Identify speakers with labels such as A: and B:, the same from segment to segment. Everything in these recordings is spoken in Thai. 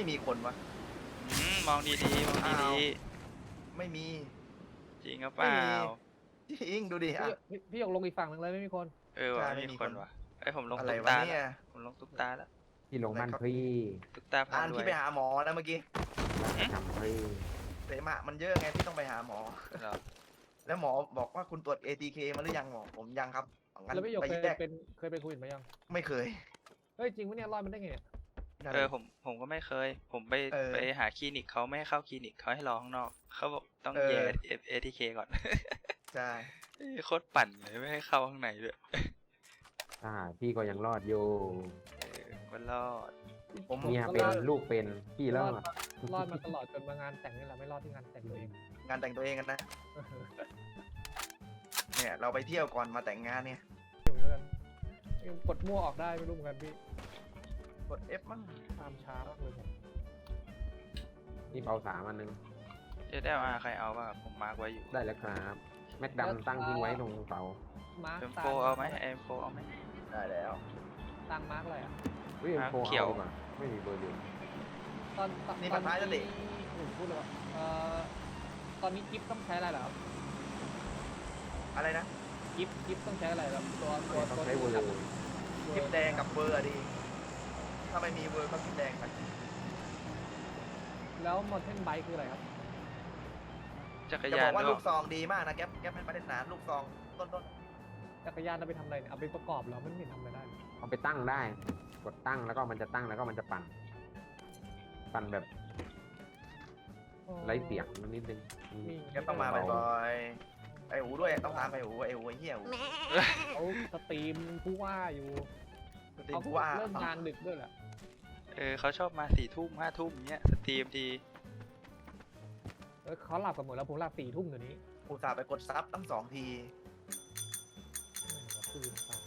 A: ไม่มีคนวะ
B: มองดีๆมองดี
A: ไม่มี
B: ๆจริงหรือเปล่า
A: จริงดูดิอ่ะ
C: พี่หยกลงอีกฝั่งหนึ่งเลยไม่มีคน
B: ว่ะ
A: ใช่ไม่
B: ไม่
A: มี
B: มีคน
A: คน
B: ว่ะไอยผมลง
A: อะไร
B: ตุ๊ก
A: วะ
B: ตา
A: เนี่
B: แล้ว
A: ย
B: ผมลงตุ๊กตาแล้ว
D: ที่ลงบ้านพี่
B: ตุ๊กตาพา
A: อ่าน
B: รว
A: ที่
B: ย
A: ไปหาหมอนะเมื่อกี้
D: ทำพี่
A: เสมหะมันเยอะไงที่ต้องไปหาหมอ
B: เหรอ
A: แล้วหมอบอกว่าคุณตรวจ ATK มาหรือยังหมอผมยังครับงั้น
C: แล้วพี่หยก
A: ไป
C: เคย
A: แยก
C: เป็นโควิดมายัง
A: ไม่เคย
C: เฮ้ยจริงปะเนี่ยรอดมันได้ไงเนี่ย
A: นั่นแหละ
B: ผมก็ไม่เคย ผมไป
A: เออ
B: ไปหาคลินิกเขาไม่ให้เข้าคลินิกเขาให้รอข้างนอกเขาบอกต้อง
A: เออ
B: แย่ ATK ก่อน
A: ใช่
B: โคตรปั่นเลยไม่ให้เข้าข้างในด้วย
D: พี่ก็ยังรอดอยู่
B: มันรอด
A: ผม
D: เมียเป็นลูกเป็นพี่รอด
C: รอดมาตลอดจนมางานแต่งนี่แหละไม่รอดที่งานแต่งตัวเอง
A: งานแต่งตัวเองกันนะเนี่ยเราไปเที่ยวก่อนมาแต่งงานเนี่ย
C: อยู่ด้วยกันกดมั่วออกได้ไม่รู้เหมือนกันพี่
A: กด F มั้ง
C: ตามช้ามากเลยผม
D: นี่เปา3อันนึง
B: SLR ใครเอาบ้างผมมาร์กไว้อยู่
D: ได้แล้วครับแม็กดำตั้งทิ้งไว้ตรงเสา
C: มาร์ค
B: M4 เอาไหม M4 เอาไหม
A: ได้แล้ว
C: ตังมาร์กอะไรอ่ะ
D: เฮ้ย
B: อ่ะ
D: โฟ
B: เขียว
D: เอาดีกว่าไม่มีเบอร์เดียว
A: นี่พันท้ายแล้วดิ
C: ผมพูดเลยว่าตอนนี้กิฟต้องใช้อะไรเหรอครับ
A: อะไรนะ
C: กิฟต้องใช้อะไรครับตัว
D: ต้องใช้เบอร์
A: คลิปแดงกับเบอร์อะดีถ้าไม่มีเบอร์ก็คลิปแดงไป
C: แล้วมอเตอร์ไบค์คืออะไรครับ
B: จักร
A: จะ
B: ยา
A: บอน กว่า
B: ด้
A: ลู
B: วย
A: กซองดีมากนะแก๊ปเป็นมาตรฐานลูกซองต้น
C: จักรยานเราไปทำอะไรเนี่ยเอาไปประกอบเหรอมันไม่ทำอะไรได้เลย
D: เอาไปตั้งได้ กดตั้งแล้วก็มันจะตั้งแล้วก็มันจะปั่น ปั่นแบบไร้เสียงนิดนึง
A: ๆแก๊ปต้องมาบ่อยๆไอหูด้วยต้องตามไอหูไอหูไอเหี้ยหู
C: เขาสตรีมผู้ว่าอยู่
A: สตรีม
C: เขา
A: กูว่า
C: เริ่มงานดึกด้วยแหละ
B: เขาชอบมา4 ทุ่ม5 ทุ่มเนี้ยสตรีมที
C: เขาหลับกันหมดแล้วผมหลับ4 ทุ่มเดี๋ยวนี้
A: อุตส่าห์ไปกดซับตั้ง2 ที
C: ตื่นสาย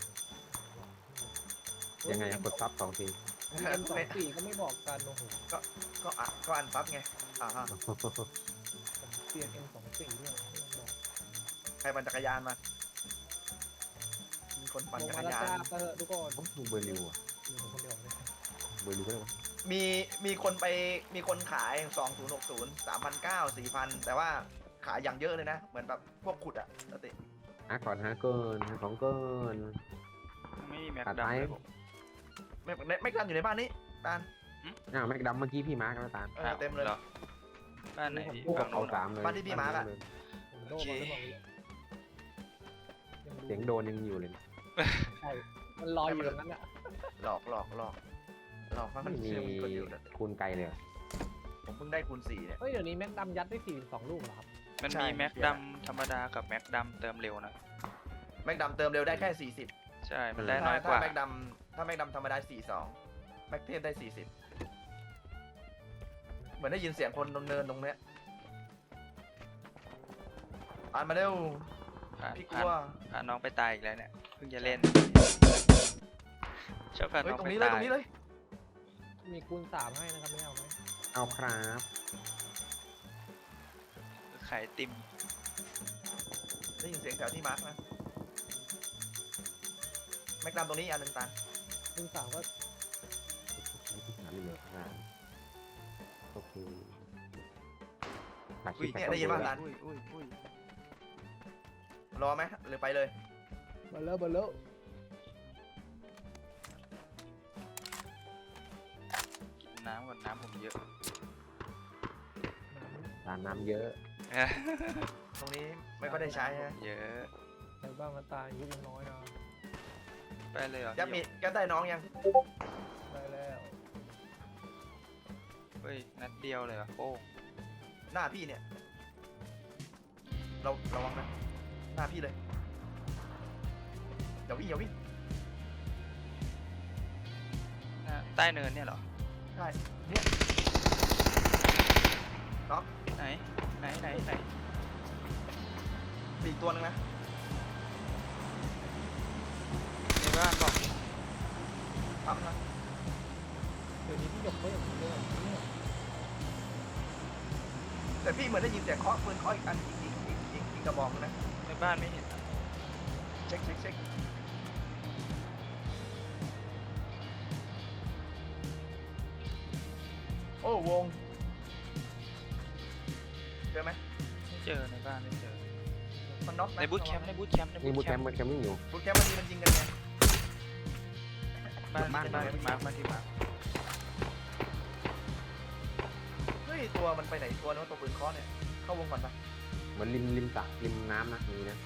D: ยังไงอะกดซับ2 ที
C: M24ก็ไม่บอกกันโอ้โห
A: ก็อันซับไงฮะ
C: ผมเปลี่ยน M24ด้วยไม่ต้องบอก
A: ใครปั่นจักรยานมามีคนปั่น
C: ลง
A: จัก
C: มาร แล้ว
A: ยาน
C: จ้าเถอะทุกคน
D: ผมดูเบอร์ริวอะ
C: อยู่ผมคนเดียวเลย
D: เบอร์ริวก็ได้ปะ
A: มีคนขาย2060 3,900 4,000แต่ว่าขายอย่างเยอะเลยนะเหมือนแบบพวกขุดอะปกติ
D: หาก่อนหาเกินหาของเกิน
B: ไม่มีแม็ก
D: ตัด
B: ดัม
D: ไป
B: เลยผม
A: ไม่กันอยู่ในบ้านนี้ตาล
D: แม็กดำเมื่อกี้พี่มาร์กแล้วตาม
A: เต็มเลย
B: หรอบ้านไหนพี่
D: พวก
B: ฝั่ง
D: เอา
B: นู้นเหรอ
D: 3เลย
A: บ้านที่พี่มาร์คอะ
C: ผมโดนมาไม่บอกเลย
D: เสียงโดนยังอยู่เลย
C: ใช่มันลอยอยู่ตรงนั้นอ่ะ
A: หลอกว่ามัน
D: ไม่มี
A: เชื่อมันกดอยู่นะ
D: คูณไกลเลยอะ
A: ผมเพิ่งได้คูณ4เนี่ย
C: เฮ้ยเดี๋ยวนี้แม็กดำยัดได้42 ลูกเหรอครับ
B: มัน
A: ใช่
B: มีแม็กดัมธรรมดากับแม็กดัมเติมเร็วนะ
A: แม็กดำเติมเร็วได้แค่40
B: ใช่มันได้น้อยกว่า
A: ถ้าแม็กดำธรรมดา42แม็กเทพได้40เหมือนได้ยินเสียงคนเนินตรงเนี้ยอ่านมาเร็ว พี่กลัว
B: พาน้องไปตายอีกแล้วเนี่ยเพิ่งจะเล่นชอบพา
A: เฮ้ย
B: น้อง
A: ตรง
B: ไป
A: นี้เลย
B: ตา
A: ตร
B: ย
A: งนี้เลย
C: มีคูณ3ให้นะครับไม่เอาไหม
D: เอาครับ
B: ขายติม
A: ได้ยินเสียงแถวที่มาร์กนะแม็กดำตรงนี้อันหนึ่งตาล
C: คูณ3ก็
D: หาเรื่องงานโอเคหา
A: อุ้ย
D: คลิป
A: เนี่ยได้ยินป่ะตาล
B: อุ้ย
A: รอไหมหรือไปเลย
C: เบลเลอร์
B: กินน้ำก่อนน้ำผมเยอะ
D: ทานน้ำเยอะ
A: ตรงนี้ไม่ค่อยได้ใช้ฮะ
B: เยอะ
C: ใส่บ้างมันตายอายุยังน้อยนะ
B: ไปเลยเหรอ
A: แกได้น้องยัง
C: ได้แล้ว
B: เฮ้ยนัดเดียวเลยเหรอโอ้
A: หน้าพี่เนี่ยระวังนะหน้าพี่เลยอย่าวิ่ง
B: ใต้เนินเนี่ยเหรอ
A: ใช่เนี่ยน็อก
B: ไหนไหน
A: มีอีกตัวนึงนะ
B: ในบ้านบอก
A: ปั๊มนะ
C: เดี๋ยวนี้พี่หยกก็อย่างนี้เลยเนี่ย
A: แต่พี่เหมือนได้ยินเสียงเคาะปืนเคาะอีกอันอีกกระบอกนึงนะ
B: ในบ้านไม่เห็นอะ
A: เช็คโอ้วงเจอไหม
B: ไม่เจอในบ้านไม่เจอ
A: มันน็อกนะ
B: ในบูธแคมป์ในบูธแคมป์ใน
D: นี่
B: บู
D: บู
B: ธ
D: ท
B: แค
D: แค
B: ม
D: ม
B: ป์
D: ป์มันแคมป์วิ่งอยู่
A: บูธแคมป์มันยิงกันไง
B: บ้านที่มาร์คบ้านที่มาร์ค
A: เฮ้ยตัวมันไปไหนตัวนู้นตัวปืนเคอเนี่ยเข้าวงก่อนปะ
D: เหมือนริมสระริมน้ำนะมีนะ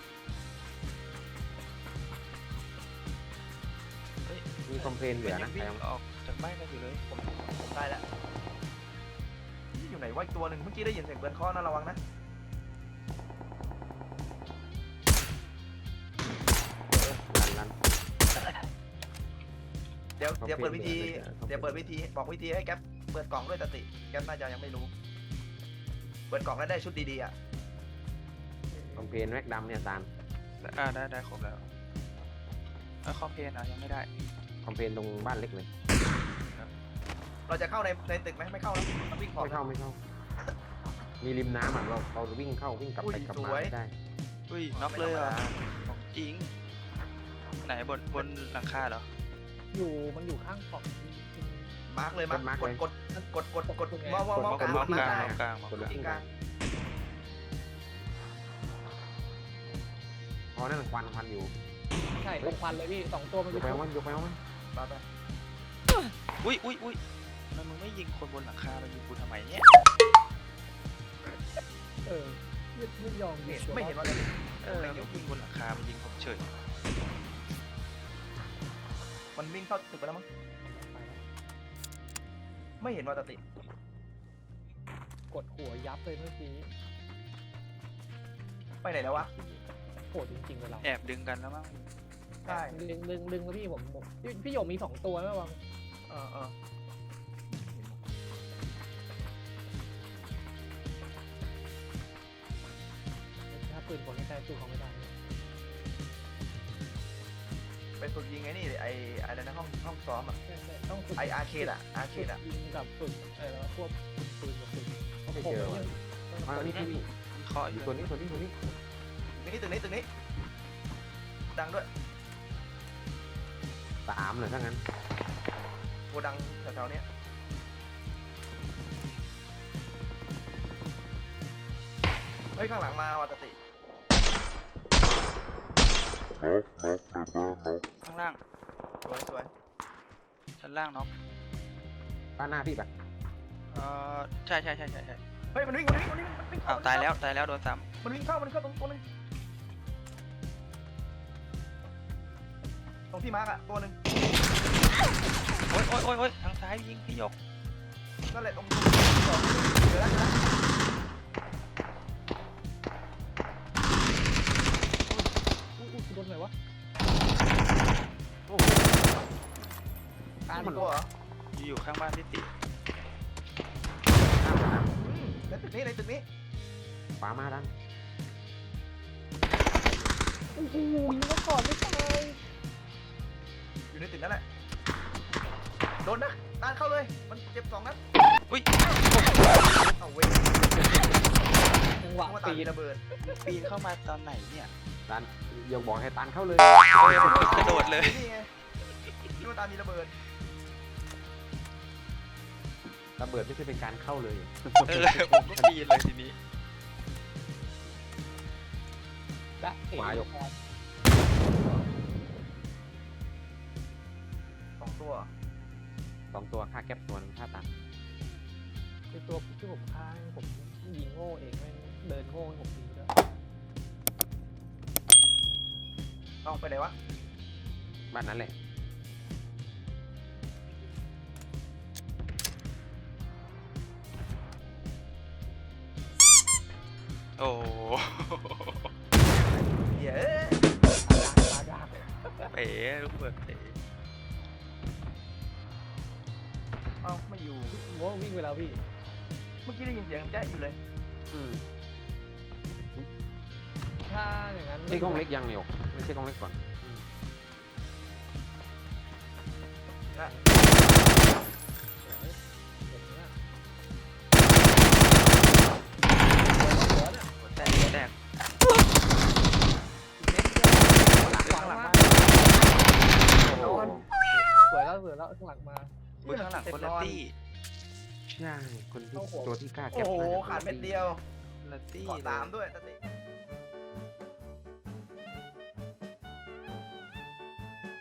B: เฮ้ย
D: มีคอมเพลนเหลือนะ
B: วิ่
D: ใครง เอา
B: ออกจากบ้านกันอยู่เลย
A: ผมได้แล้วนี่อยู่ไหนวะอีกตัวหนึ่งเมื่อกี้ได้ยินเสียงปืนเคอนะระวังนะ
D: ลัน
A: เดี๋ยวเปิดวิธีบอกวิธีให้แก๊ปเปิดกล่องด้วยสติแก๊ปน่าจะยังไม่รู้เปิดกล่องแล้วได้ชุดดีๆอ่ะ
D: คอมเพลนแม็กดำเนี่ยตาล
B: ได้ครบแล้วคอมเพลนยังไม่ได้
D: คอมเพลนตรงบ้านเล็กเลย
A: เราจะเข้าในตึกไหมไม่เข้าแล้วมันวิ่งขอบ
D: ไม่เข้ามีริมน้ำอ่ะเราวิ่งเข้าวิ่งกลับไปกลับมาไม่ได้
B: อุ้ยน็อกเลยอ่ะของจริงไหนบนหลังคาเหรอ
C: มันอยู่ข้างขอบ
A: มาร์กเลยมาร์กกดมองกลาง
B: มองกลาง
A: ได้
B: มองกลางมอง
D: คน
B: ก
D: ละ
B: ลาง
A: ที่กลาง
D: เพราะนั่นควันอยู่
C: ใช่ตรงควันเลยพี่2ตัวมัน
D: ย
C: ไป
D: กไปเอามันยกไปเอามัน
A: ไป
B: อุ้ยทำไมมึงไม่ยิงคนบนหลังคามายิงกูทำไมเนี่ย
C: ไม่ยอม
A: ไม่เห็นว่า
B: ไม่ยิงบนหลังคามายิงผมเฉย
A: มันวิ่งเข้าตึกไปแล้วมั้งไม่เห็นว่าติ
C: กดหัวยับเลยเมื่อกี้
A: ไปไหนแล้ววะ
C: โหดจริงๆเลยเรา
B: แอบดึงกันแล้วมั้ง
A: ใช่
C: ดึงแล้วพี่ผมพี่หยกมี2ตัวนะวัง
A: เออ
C: ถ้าปืนคนไม่ใช่ปืนของไม่ได้
A: ไปฝึกยิงไอ้นี่ไอ้อะไรนะห้องซ้อมอ่ะ
C: ต้องฝึก
A: ไออาร์เคดอ่ะ
C: ยิงกับฝึกแล้วพวกปืนกับปืน
D: ไม่เจอว่ะอันนี้ที่นี่
B: วิเคราะห์อ
D: อยู่
B: ยู่
D: ตัวนี้
A: ตึกนี้ดังด้วย
D: 3เลยถ้างั้น
A: โกดังแถวๆเนี้ยเฮ้ยข้างหลังมาว่ะติ
B: ข้างล่าง
A: สวย
B: ชั้นล่างน็อก
D: บ้านหน้าพี่ปะ
B: ใช่
A: เฮ้ยมันวิ่ง
B: อ้าวตายแล้วโดนซ้
A: มันวิ่งเข้าตรงตัวนึงตรงที่มาร์กอ่ะตัวนึง
B: ำโอ๊ยทางซ้ายยิงพี่หยก
A: นั่นแหละตรงสองเดี๋ยวแล้วนะ
C: โดนไหนวะ
A: การมันตัวเหรอ
B: อยู่ข้างบ้านพี่ติ
A: ในตึกนี้
D: ขวามาดัน
C: โอ้โหยิงมาก่อนไม่ตาย
A: อยู่ในตึกนั่นแหละโดนนะตานเข้าเลยมันเจ็บ2 นัด
B: อุ้ย
A: เอาเว้ย
C: จังหวะ
A: ว่าตา
C: ปี
A: มี
C: น
A: ระเบิด
B: ปีนเข้ามาตอนไหนเนี่ย
D: ดันอย่าบอกให้ตันเข้าเลย
B: กระโดดเลย
A: นี่ไงที่ว่าตามีระเบิด
D: ระเบิดไม่ใช่เป็นการเข้าเลย
B: ผมก็ปีนเลยทีนี้
C: และเอ๋
D: หมาหยก
A: 2 ตัว
D: 2 ตัวค่าแก๊ปตัวนึงค่าตัน
C: ในตัวที่ผมฆ่าผมยิงโง่เองแม่งเดินโง่ให้ผมยิงด้วย
A: ต้องไปไหนวะ
D: บ้านนั้นแหละ
B: โอ้
A: เย้
C: ตาดาบ
B: เป๋ลูกเบิดเป๋
A: เอ้าไม่อยู่
C: โง่วิ่งไปแล้วพี่
A: เมื่อกี้ได้ยินเสียงแจ๊ะอยู่เลย
C: ถ้าอย่างนั้น
D: ใช่กล้องเล็กยังเนี่ยไม่ใช่กล้องเล็กก่อน
A: นะ
B: แตก
C: ข้างหลังมา
B: โอ้โห
C: สวยแล้วข้างหลังมา
B: ข้างหลังคนละตี้
D: ใช่คนที่
C: เข้าหัว
D: ตัวที่กล้าแก็
A: โอ้
D: บ
A: โห
D: น่จะ
A: ขาดเม็ดเดียว
B: ลัตตี้
A: เกาะ
B: เลย
A: สามด้วยตอนนี้